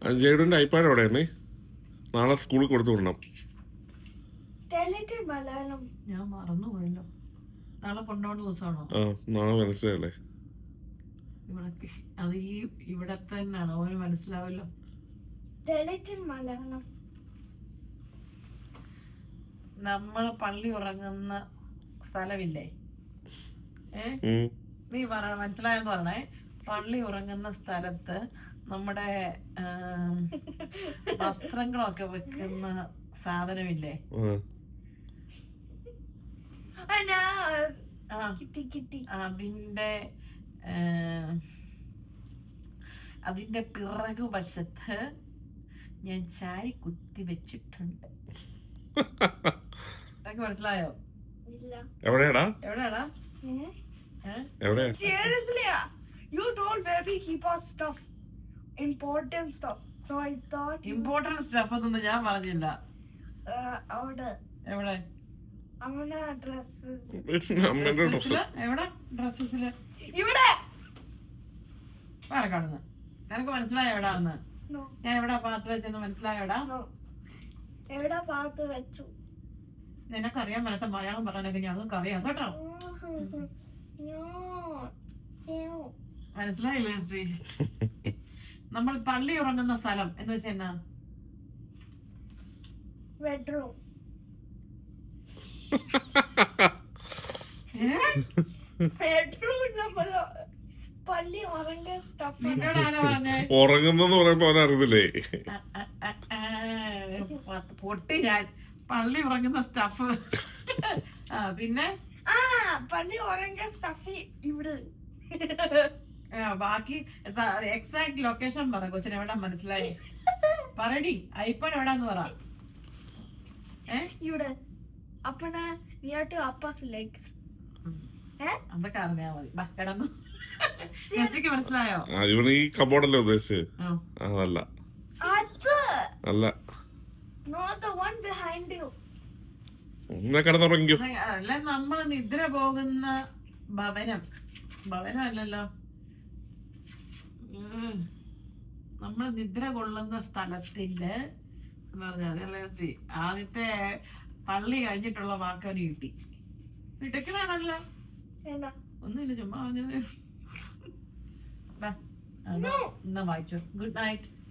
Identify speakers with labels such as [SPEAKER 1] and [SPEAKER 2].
[SPEAKER 1] ജെയ്ഡുവിന്റെ iPad എവിടെയാണ്? നാളെ സ്കൂളിൽ കൊടുത്തു വിടണം.
[SPEAKER 2] ഞാൻ മറന്നുപോയല്ലോ. നാളെ കൊണ്ടുപോകുന്ന ദിവസമാണോ?
[SPEAKER 1] നാളെ മനസ്സിലല്ലേ.
[SPEAKER 2] ഇവിടെ അത് ഇവിടെ തന്നെയാണ്, അവന് മനസ്സിലാവല്ലോ. നമ്മള് പള്ളി ഉറങ്ങുന്ന സ്ഥലമില്ലേ? നീ മനസ്സിലായെന്ന് പറഞ്ഞേ. പള്ളി ഉറങ്ങുന്ന സ്ഥലത്ത് നമ്മുടെ വസ്ത്രങ്ങളൊക്കെ വെക്കുന്ന സാധനമില്ലേ? അതിന്റെ പിറകുവശത്ത് ഞാൻ ചാരി കുത്തി വെച്ചിട്ടുണ്ട്. മനസ്സിലായോ?
[SPEAKER 1] എവിടെയാടാ?
[SPEAKER 2] എവിടെയാടാ?
[SPEAKER 3] Seriously, you told where we keep our stuff, important stuff. So I thought
[SPEAKER 2] important stuff ഒന്നും ഞാൻ പറഞ്ഞില്ല.
[SPEAKER 3] അവിടെ
[SPEAKER 2] എവിടെ?
[SPEAKER 3] അമ്മയുടെ ഡ്രസ്സസ്.
[SPEAKER 2] എവിടെ ഡ്രസ്സസില്?
[SPEAKER 3] ഇവിടെ.
[SPEAKER 2] കാണുന്നു. നിനക്ക് മനസ്സിലായോ എവിടാന്ന്? ഞാൻ എവിടെ പാത്ത് വെച്ചെന്ന് മനസ്സിലായോടാ?
[SPEAKER 3] എവിടെ പാത്ത് വെച്ചു?
[SPEAKER 2] നിനക്കറിയാൻ മേലത്തെ മലയാളം പറയാനൊക്കെ ഞങ്ങൾക്ക് അറിയാം കേട്ടോ. മനസ്സിലായില്ലേ ശ്രീ? നമ്മൾ പള്ളി ഉറങ്ങുന്ന സ്ഥലം എന്ന് വെച്ചാ എന്നാ?
[SPEAKER 3] ബെഡ്റൂം. പള്ളി ഉറങ്ങുന്ന സ്റ്റഫ്.
[SPEAKER 1] ഉറങ്ങുന്നെന്ന് പറയുമ്പോ അവനറിയില്ലേ?
[SPEAKER 2] പൊട്ടി ഞാൻ. പള്ളി ഉറങ്ങുന്ന സ്റ്റഫ്. പിന്നെ
[SPEAKER 3] പള്ളി ഉറങ്ങുന്ന സ്റ്റഫ് ഇവിടെ.
[SPEAKER 2] ബാക്കി എക്സാക്ട് ലൊക്കേഷൻ പറ കൊച്ചിന്. എവിടെ മനസ്സിലായി? പറയടി. ഐപ്പാൻ എവിടാന്ന് പറ.
[SPEAKER 3] ഇവിടെ. അപ്പന നിയർ ടു അപ്പാസ് ലെഗ്സ്.
[SPEAKER 2] അതൊക്കെ അറിഞ്ഞാ മതി. കിടന്നു. ജെസ്സിക്ക് മനസ്സിലായോ?
[SPEAKER 1] ഇവന് ഈ കബോർഡല്ലേ ഉദ്ദേശിച്ചത്? അതല്ല. അല്ല.
[SPEAKER 3] Not the one behind you.
[SPEAKER 1] കിടന്നുറങ്ങിയോ?
[SPEAKER 2] അല്ല, നമ്മള് നിദ്ര പോകുന്ന ഭവനം. ഭവനമല്ലല്ലോ, നമ്മൾ നിദ്ര കൊള്ളുന്ന സ്ഥലത്തിന്റെ ആദ്യത്തെ പള്ളി കഴിഞ്ഞിട്ടുള്ള വാക്കവന് കിട്ടി. കിടക്കണാണല്ലോ. ഒന്നുമില്ല, ചുമ്മാ പറഞ്ഞത്. എന്നാ വായിച്ചോ. Good night.